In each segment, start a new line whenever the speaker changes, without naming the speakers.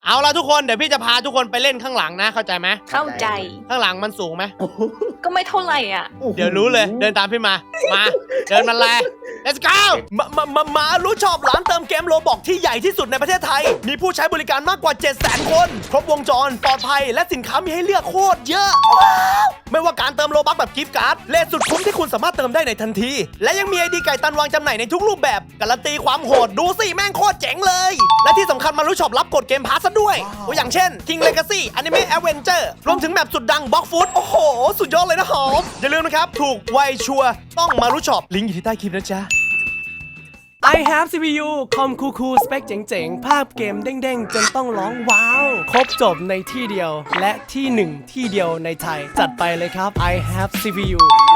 เอาละทุกคนเดี๋ยวพี่จะพาทุกคนไปเล่นข้างหลังนะเข้าใจไหม
เข้าใจ
ข้างหลังมันสูงไหม
ก็ไม่เท่าไหร่อ่ะ
เดี๋ยวรู้เลยเดินตามพี่มาเดินมาเลย let's go
มารู้ชอบร้านเติมเกมโลบอกที่ใหญ่ที่สุดในประเทศไทย มีผู้ใช้บริการมากกว่า 700,000 คน ครบวงจรปลอดภัยและสินค้ามีให้เลือกโคตรเยอะว้าวไม่ว่าการเติมโลบัคแบบกิฟต์การ์ดเลทสุดคุ้มที่คุณสามารถเติมได้ในทันที และยังมีไอดีไก่ตันวางจำหน่ายในทุกรูปแบบการันตีความโหดดูสิแม่งโคตรเจ๋งเลย และที่สำคัญมารู้ชอบรับกดเกมพาสซะด้วยตัวอย่างเช่น King Legacy Anime Adventure รวมถึงแมปสุดดัง Block Food โอ้โหสุดยอดเลยนะหอมอย่าลืมนะครับถูกไวชัวร์ต้องมารู้ชอบลิงก์อยู่ที่ใต้คลิปนะจ๊ะI have CPU คอมคูลๆสเปคเจ๋งๆ ภาพเกมเด้งๆ จนต้องร้องว้าว ครบจบในที่เดียว และที่หนึ่งที่เดียวในไทย จัดไปเลยครับ I have CPU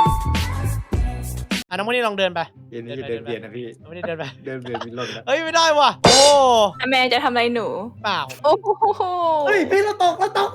น้องคนนี้ลองเดินไป
เย็นนี่เดินเบียดนะพี่
น้องคนนี้เดินไป
เดินเบียดมีลมนะ
เฮ้ยไม่ได้ว่ะโอ้
แม่จะทำอะไรหนู
เปล่า
โอ้โห
เฮ้ยพี่เราตก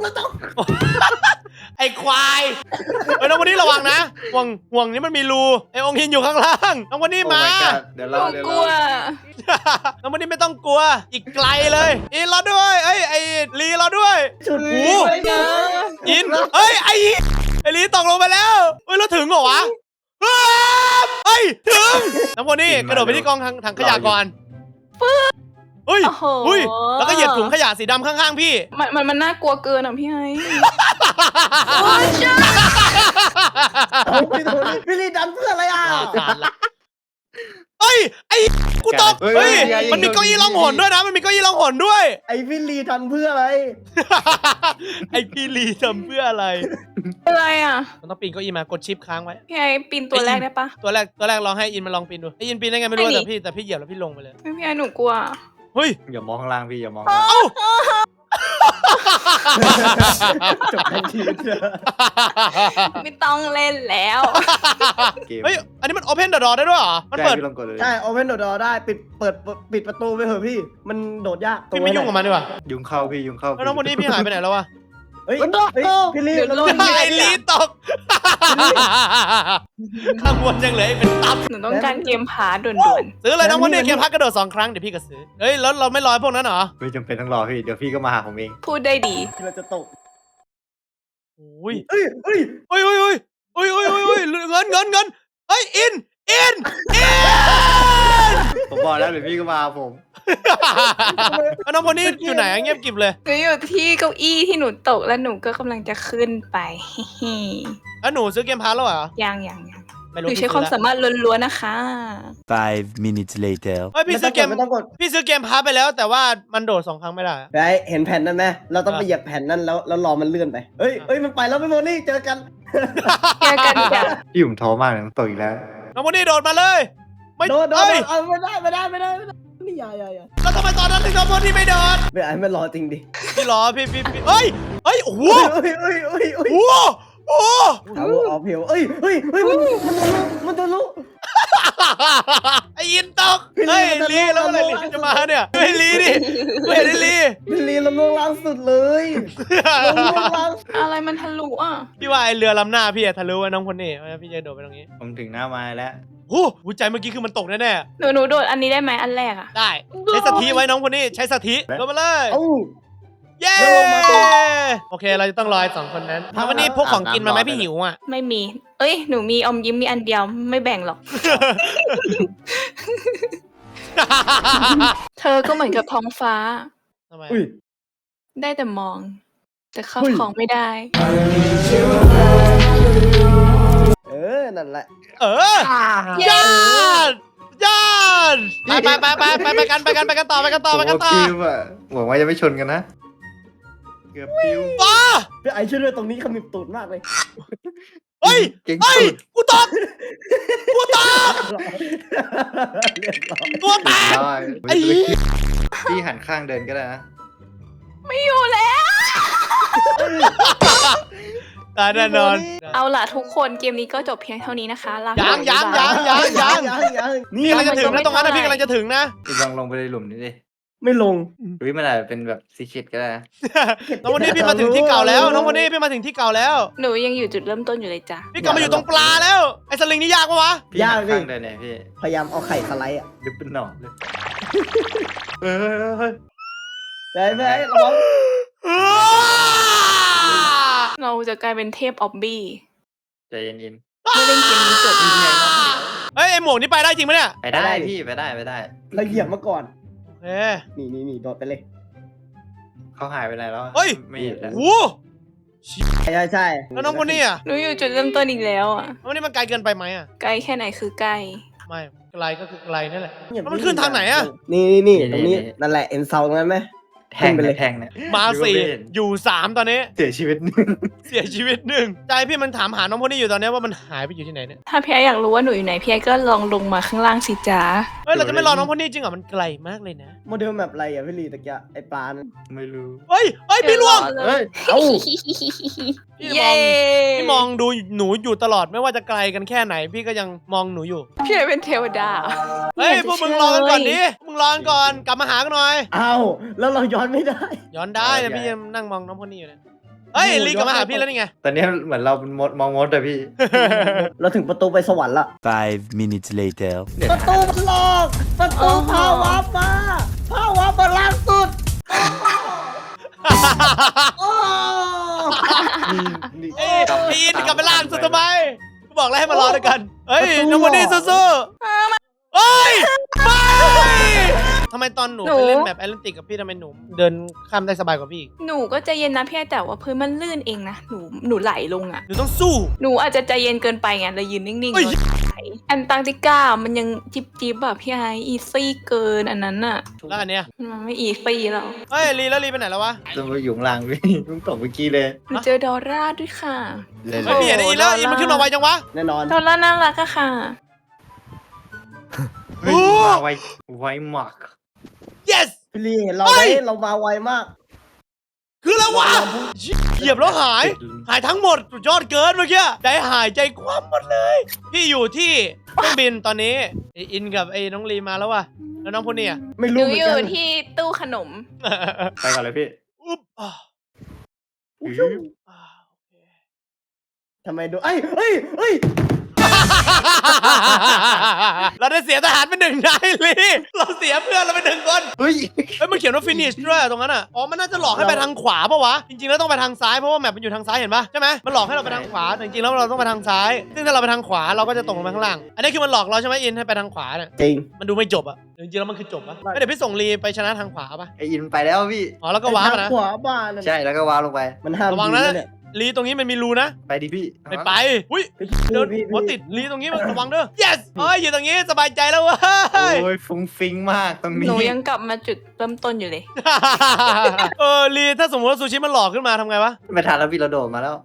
ไอ้ควายเฮ้ยน้องคนนี้ระวังนะห่วงนี้มันมีรูไอ้องค์หินอยู่ข้างล่างน้องคนนี้มา
โอ้ my god เดี๋ยว
ห
รอ
นู
เดี๋ยว
ก
ร
ลั
อ
ว
น้องคนนี้ไม่ต้องกลัวอีกไกลเลยอินรอด้วยไอ้ลีรอด้วย
จุด
โอ้
นี้
โห
ไว้นะ
อินเอ้ยไอ้ลีตกลงไปแล้วเฮ้ยแล้วถึงเหรอวะเฮ้ยถึงน้องคนนี้กระโดดไปที่กองถังขยะก่อนเฮ้ย
โอ้โห
อุ้ยแล้วก็เหยียบถุงขยะสีดำข้างๆพี่
มันน่ากลัวเกินอ่ะพี่ไอ้
เอาไปโดนพี่ลีดันเพื่ออะไรอ่ะ
เฮ้ยไอ้กูตกเฮ้ยมันมีเก้าอี้ล่องหนด้วยนะมันมีเก้าอี้ล่องหนด้วย
ไอพี่ลีดันเพื่ออะไร
ไอพี่ลีทำเพื่ออะไร
อะไรอ่ะ
มันต้องปีนเก้าอี้มากดชิปค้างไว้
พี่ไอ้ปีนตัวแรกได้ปะ
ตัวแรกลองให้อินมาลองปีนดูไออินปีนได้ไงไม่รู้แต่พี่เหยียบแล้วพี่ลงไปเลย
ไม่พี่ไอ้หนูกลัว
เฮ้ย
อย่ามองข้างล่างพี่อย่ามอง
เอ้า
จบทันที
ไม่ต้องเล่นแล้ว
เกม
เฮ้ยอันนี้มันโอเพนเดอะดอได้ด้วยเหรอมัน
ใช่
เปิด
พี่ลองกดเลย
ใช่โอเพนโดดได้ปิดประตูไปเถอะพี่มันโดดยาก
พี่ไม่ยุ่งกับมันดีกว่า
ยุงเข้าพี่ยุงเข้า
แล้วน้องคนนี้พี่หายไปไหนแล้ววะ
เฮ้ยพี่ลีเรา
ไอลีตกข้างบนยังเหลืออีกเป็นตับ
หนูต้องการเกมพาด่วน
ซื้อเลยน้องคนนี้เกมพักกระโดด2 ครั้งเดี๋ยวพี่ก็ซื้อเฮ้ยแล้วเราไม่รอพวกนั้นเหรอ
ไม่จำเป็นต้องรอพี่เดี๋ยวพี่ก็มาหาผมเอง
ๆพูดได้ดี
เราจะตก
อุ้ย
เฮ้ย
เงินเฮ้ยอิน
ผมบอกแล้วเดี๋ยวพี่ก็มาหาผม
น้องคนนี้อยู่ไหนเงียบกริบเลย
หนูอยู่ที่เก้าอี้ที่หนูตกแล้วหนูก็กำลังจะขึ้นไป
แล้วหนูซื้อเกมพาร์แล้วเหรอ
ยัง
ไม่
ห
รู้
นูใช้ความสามารถล้วนๆนะคะ
5 minutes later
เฮ้ยพี่ซื้อเกม
ไม่ต้องกด
พี่ซื้อเกมพาร์ไปแล้วแต่ว่ามันโดด2 ครั้งไม่ได้
ไอ้เห็นแผ่นนั้นไหมเราต้องไปเหยียบแผ่นนั้นแล้วรอมันเลื่อนไปเฮ้ยมันไปแล้วพี่โมนี่เจอกัน
เจอกันจ้ะ
พี่ผมท้อมากเลยต้องตกอีกแล้ว
น้องคนนี้โดดมาเลย ไม่
โดด
เฮ้ย
ไม่ได้ไม่อย่า
แล้วทำไมตอนนั้นถึงน้องคนนี้ไม่โดด
ไม่ไอ้มันรอจริงดิ
พี่รอพี่เฮ้ยโอ้โห
เฮ้ย
โอ้โห
เอาออกเพียวเฮ้ยมันทะลุ
ไอ้อินตก
พี่ลี
เฮ้ย
มันจะ
ลีแล้วเมื่อไหร่ลีจะมาเนี่ยเฮ้ยลีดิเฮ้ยลี
พี่ลีเราล่วงล้างสุดเลยเราล่วงล้าง
อะไรมันทะลุอ่ะ
พี่ว่าไอเรือลำหน้าพี่อะทะลุไว้น้องคนนี้พี่จะโดดไปตรงนี้
ผมถึงหน้าไม้แล้ว
โอ้โหใจเมื่อกี้คือมันตกแน่
หนูโดดอันนี้ได้ไหมอันแรกอ่ะ
ๆได้ใช้สถิไว้น้องคนนี้ใช้สถิลงมาเลย
เอ้า
เย้
แล้วลงมาตรง
โอเคเราจะต้องรอ2 คนนั้นวันนี้พวกของกินมาไหมพี่หิวอ่ะ
ไม่มี เอ้ยหนูมีอมยิ้มมีอันเดียวไม่แบ่งหรอก เธอก็เหมือนกับท้องฟ้า
ทำไม
อุ้ย
ได้แต่มอง แต่เข้า
เฮ้ย
ของไม่ได้
นั่นแหละ
เออยอดไปกันต่อ
ผมว่าพิวอะหวังว่าจะไม่ชนกันนะ เกือบพิว
ว้า
พี่ไอ้ช่วยด้วยตรงนี้ขมิบตูดมากเลย
เฮ้ย
เก่ง
เฮ้ย
สุด
กูตก
เรียบร้อย
ตัวแตก
ได้
ไอ้เหี้ย
พี่หันข้างเดินก็ได้นะ
ไม่อยู่แล้ว
ตายแน่นอน
เอาล่ะทุกคนเกมนี้ก็จบเพียงเท่านี้นะคะลา
ยัง
ไปบ๊ายบา
พี่กำลังจะถึงนะตรงนั้นนะพี่กำลังจะถึงนะ
พี่ลองลงไปในหลุมนี้ดิ
ไม่ลง
หรือมันอาจจะเป็นแบบซีเคร็ตก็ได้นะ
น้องวันนี้พี่มาถึงที่เก่าแล้วน้องวันนี้พี่มาถึงที่เก่าแล้ว
หนูยังอยู่จุดเริ่มต้นอยู่เลยจ้ะ
พี่กลับมาอยู่ตรงปลาแล้ว ไอ้สลิงนี่ยากปะวะ
พี่หันข้างเดินเนี่ยพี่
พยายามเอาไข่สไลด์อ่ะ
ดึบเป็นหนอนเลยเฮ้ย
ไประวัง
เราจะกลายเป็นเทพออบบี้
ใจเย็น
ไม่เล่นเกมนี้จบ
เฮ้ยไอหมวกนี่ไปได้จริงปะเนี่ย
ๆไปได้พี่ไปได้
เราเหยียบมาก่อน
เฮ้ย
นี่โดดไปเลย
เขาหายไปไหนแล้ว
เฮ้ย
ไม่เห็นแล้ว
โอ้
ใช่
แล้วน้องคนนี้อ่ะ
หนูอยู่จุดเริ่มต้นอีกแล้วอ่ะ
น้องคนนี้มันไกลเกินไปไหมอ่ะ
ไกลแค่ไหนคือไกล
ไม่ไกลก็คือไกลนั่นแหละ
เหยียบ
แล้วมันขึ้นทางไหนอะ
นี่ตรงนี้นั่นแหละเอ็นเซาตรงนั้นไหม
แทง
ขึ้นไปเลย
แทงเนี่ย
มาสี่อยู่สามตอนนี้
เสียชีวิตหนึ่ง
เสียชีวิตหนึ่งใจพี่มันถามหาน้องคนนี้อยู่ตอนนี้ว่ามันหายไปอยู่ที่ไหนเนี่ย
ถ้าพี่ไออยากรู้ว่าหนูอยู่ไหนพี่ไอก็ลองลงมาข้างล่างสิจ๊ะ
เฮ้ยเราจะไม่รอน้องคนนี้จริงเหรอมันไกลมากเลยนะ
โมเดลแบบอะไรอ่ะพี่ลีตะกี้ไอ้ปลานั่น
ไม่รู้
เฮ้ยพี่ล่วง
เฮ้ย
เอ้า
พี่มอง พี่มองดูหนูอยู่ตลอดไม่ว่าจะไกลกันแค่ไหน พี่ก็ยังมองหนูอยู่
พี่ไอเป็นเทวดา
เฮ้ยพวกมึงรอกันก่อนดิพวกมึงรอกันก่อนกลับมาหากันหน่อย
เอ้าแล้วเราย้อนไม่ได้
ย้อนได้นะพี่ยังนั่งมองน้องคนนี้อยู่เนี่ยเฮ้ยลีกลับมาหาพี่แล้วนี่ไง
ตอนนี้เหมือนเราเป็นมดมองมดอะพี่
เราถึงประตูไปสวรรค์ละ
5 minutes later.
ประตูมันหลอกประตูพาวาร์ปมาพาวาร์ปมาล่าสุดโอ้
นี่
เอ้ยพี่อินกลับไปล่างสุดทำไมกูบอกแล้วให้มารอด้วยกันเฮ้ยน้องคนนี้สู้ๆเฮ้ยไม่ทำไมตอนหนูไปเล่นแบบแอตแลนติกกับพี่ทำไมหนูเดินข้ามได้สบายกว่าพี่อีก
หนูก็ใจเย็นนะพี่ไอแต่ว่าพื้นมันลื่นเองนะหนูไหลลงอ่ะ
หนูต้องสู้
หนูอาจจะใจเย็นเกินไปไงเลยยืนนิ่งๆ
เฮ้ย
แล้วไหลแอนตาร์กติกามันยังจิบแบบพี่ไออีซี่เกินอันนั้นอ่ะ
แล้วอันเนี้ย
มันไม่อีซี่แล้ว
เฮ้ยลีแล้วลีไปไหนแล้ววะ
จะมาอยู่ข้างล่างพี่เพิ่งตกเมื่อกี้เลย
หนูเจอดอร่าด้วยค่ะ
เลย
เฮ้ยพี่เห็นไอ้อินแล้วอินมันขึ้นมาไวจังวะ
แน่นอน
ดอร่าน่ารักอะค่ะ
เฮ้ยมาไวมาก
yes
พี่ลีเห็นเราไหมเรามาไวมาก
คือแล้ววะเหยียบแล้วหายทั้งหมดสุดยอดเกินเมื่อกี้ใจหายใจคว่ำหมดเลย พี่อยู่ที่เครื่องบินตอนนี้ไออินกับไอ้น้องลีมาแล้ววะแล้วน้องพวกนี้อ่ะ
ไม่
ห
รู้
นู
เหมือ
อน ยู่
กัน
ที่ตู้ขนม
ไปก่อนเลยพี่
อุ๊บอ่ะ
ทำไมดูเอ้ย
เราได้เสียทหารไปหนึ่งนายลีเราเสียเพื่อนเราไปหนึ่งคน
เฮ้ย
เฮ้ยมันเขียนว่า finish ด้วยตรงนั้นอ่ะอ๋อมันน่าจะหลอกให้ไปทางขวาปะวะจริงๆแล้วต้องไปทางซ้ายเพราะว่าแมปมันอยู่ทางซ้ายเห็นปะใช่ไหมมันหลอกให้เราไปทางขวาแต่จริงๆแล้วเราต้องไปทางซ้าย ซึ่งถ้าเราไปทางขวาเราก็จะตกลงไปข้างล่างอันนี้คือมันหลอกเราใช่ไหมอินให้ไปทางขวาเนี่ย
จริง
มันดูไม่จบอ่ะจริงๆแล้วมันคือจบอ่ะเดี๋ยวพี่ส่งลีไปชนะทางขวาปะ
ไออินไปแล้วพี่
อ๋อแล้วก็ว้าร์ปอะนะ
ขวาบ้านนั่น
ใช่แล้วก็ว้าวลงไป
มันห้าม
ระวัง
ยิ
นะ
เนี่ย
ลีตรงนี้มันมีรูนะ
ไปดิพี่
ไม่ไปอุ้ย
พี่
เดิน
พี่
หัวติดลีตรงนี้มันระวังเด้อ yes เอ้ยอยู่ตรงนี้สบายใจแล้วเว้ย
โอ้ยฟุ้งฟิ้งมากตรง
ห
นี้
นูยังกลับมาจุดเริ่มต้นอยู่เลย
ลีถ้าสมมติว่าซูชิมันหลอกขึ้นมาทำไงวะ
ไม่ทันแล้วพี่เราโดดมาแล้ว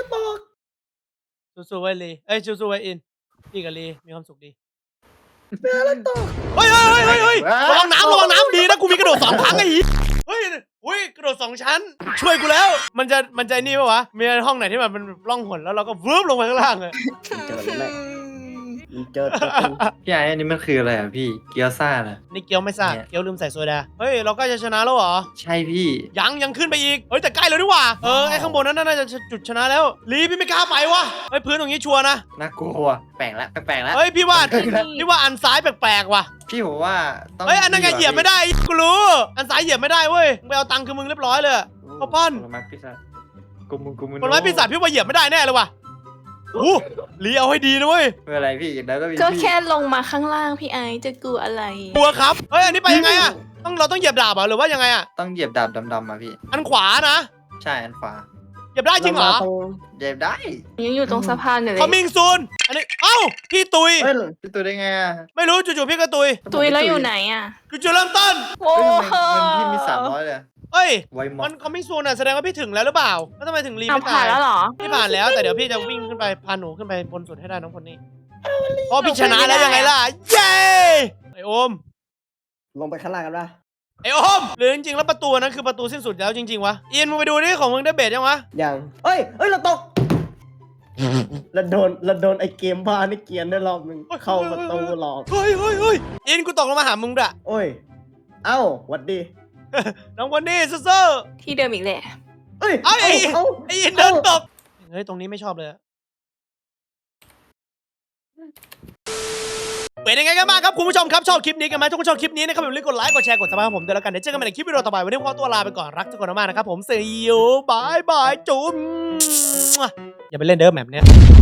สู้ๆไว้ลีเอ้ยสู้ๆไว้อินพี่กับลีมีความสุขดี
แม่แล้วต่อ
เฮ้ยระวังน้ำดีนะกูมีกระโดด2 ครั้งไอ้เฮ้ยอุ้ยกระโดด2 ชั้น ช่วยกูแล้ว มันจะนี่ปะวะมีห้องไหนที่แบบมันล่องหนแล้วเราก็วืบลงไปข้างล่างเลย
เจอเลยแม่เจอ
พี่ไอ้อันนี้มันคืออะไรอ่ะพี่เกี๊ยวซ่าเหรอ
นี่เกี๊ยวไม่ซ่า
เนี่ย
เกี๊ยวลืมใส่โซดาเฮ้ยเราก็จะชนะแล้วเหรอ
ใช่พี่
ยังขึ้นไปอีกเฮ้ยแต่ใกล้แล้วนี่หว่าไอ้ข้างบนนั้นน่าจะจุดชนะแล้วลีพี่ไม่กล้าไปวะเฮ้ยพื้นตรงนี้ชัวร์นะ
น่ากลัวแปลกแล้วแปลกแล้ว
เฮ้ยพี่ว่าอันซ้ายแปลกๆว่ะ
พี่ผมว่าต้อง
เฮ้ยอันนั้นไงเหยียบไม่ได้กูรู้อันซ้ายเหยียบไม่ได้เว้ยมึงไปเอาตังค์คือมึงเรียบร้อยเลย ข้าวปั้น
ผลไม้พิซซ่ากุมุน
ผลไม้ปีศาจพี่ว่าเหยียบไม่ได้แน่เลยว่ะโอ้ลีเอาให้ดีนะเว้ย
ไม่เป็นไรพี่แล้วก็มี
ก็
พี่
แค่ลงมาข้างล่างพี่ไอจะกลัวอะไร
กลัวครับเฮ้ยอันนี้ไปยังไงอะเราต้องเหยียบดาบเหรอหรือว่ายังไงอะ
ต้องเหยียบดาบดำๆมาพี่
อันขวานะ
ใช่อันขวา
เหยียบได้จริงเหรอ
เหยียบได้
ยังอยู่ตรงสะพานอยู่เลย
Coming soon อันนี้เอ้าพี่ตุย
เฮ้ย
พี่ตัวได้ไงอ่ะ
ไม่รู้จู่ๆพี่ก็ตุย
ตุยแล้วอยู่ไหนอ่ะ
จู่ๆเริ่มต้น
โอ้
เฮ้ย
โห
เงินพี่มี300เลย
เอ้ย
ไวมอ
มัน Coming soon อะแสดงว่าพี่ถึงแล้วหรือเปล่าแล้วทำไมถึงลี
เอา
ไม่
ผ่า
ตาน ย
แล้วเหรอ
พี่ผ่านแล้วแต่เดี๋ยวพี่จะวิ่งขึ้นไปพาหนูขึ้นไปบนสุดให้ได้น้องคนนี้เพราะพี่ชนะแล้วยังไงล่ะเย้ไอโอม
ลงไปข้างล่างกันปะ
ไอโอมหรือจริงๆแล้วประตูนั้นคือประตูสิ้นสุดแล้วจริงๆวะอินมึงไปดูนี่ของมึงได้เบสยังวะ
ยังเอ้ยเราตกเราโดนไอ้เกมบ้านี่เกรียนได้รอบนึงเข้าประตูหลอก
เฮ้ยอินกูตกลงมาหามึงด้วย
โอ้ยเอ้าหวัดดี
น้องคนนี้สู้
ที่เดิมอีกแหละ
เอ้ย
ๆไอ้อินเดินตกเฮ้ยตรงนี้ไม่ชอบเลยอะเป็นยังไงกันบ้างครับคุณผู้ชมครับชอบคลิปนี้กันไหมทุกคนชอบคลิปนี้นะครับอย่าลืมกดไลค์กดแชร์กดซับสไครต์ผมด้วยแล้วกันเดี๋ยวเจอกันใหม่ในคลิปวิดีโอต่อไปวันนี้ขอตัวลาไปก่อนรักทุกคนมากๆนะครับผม see you bye bye จุ๊บอย่าไปเล่นเด้อแมปเนี้ย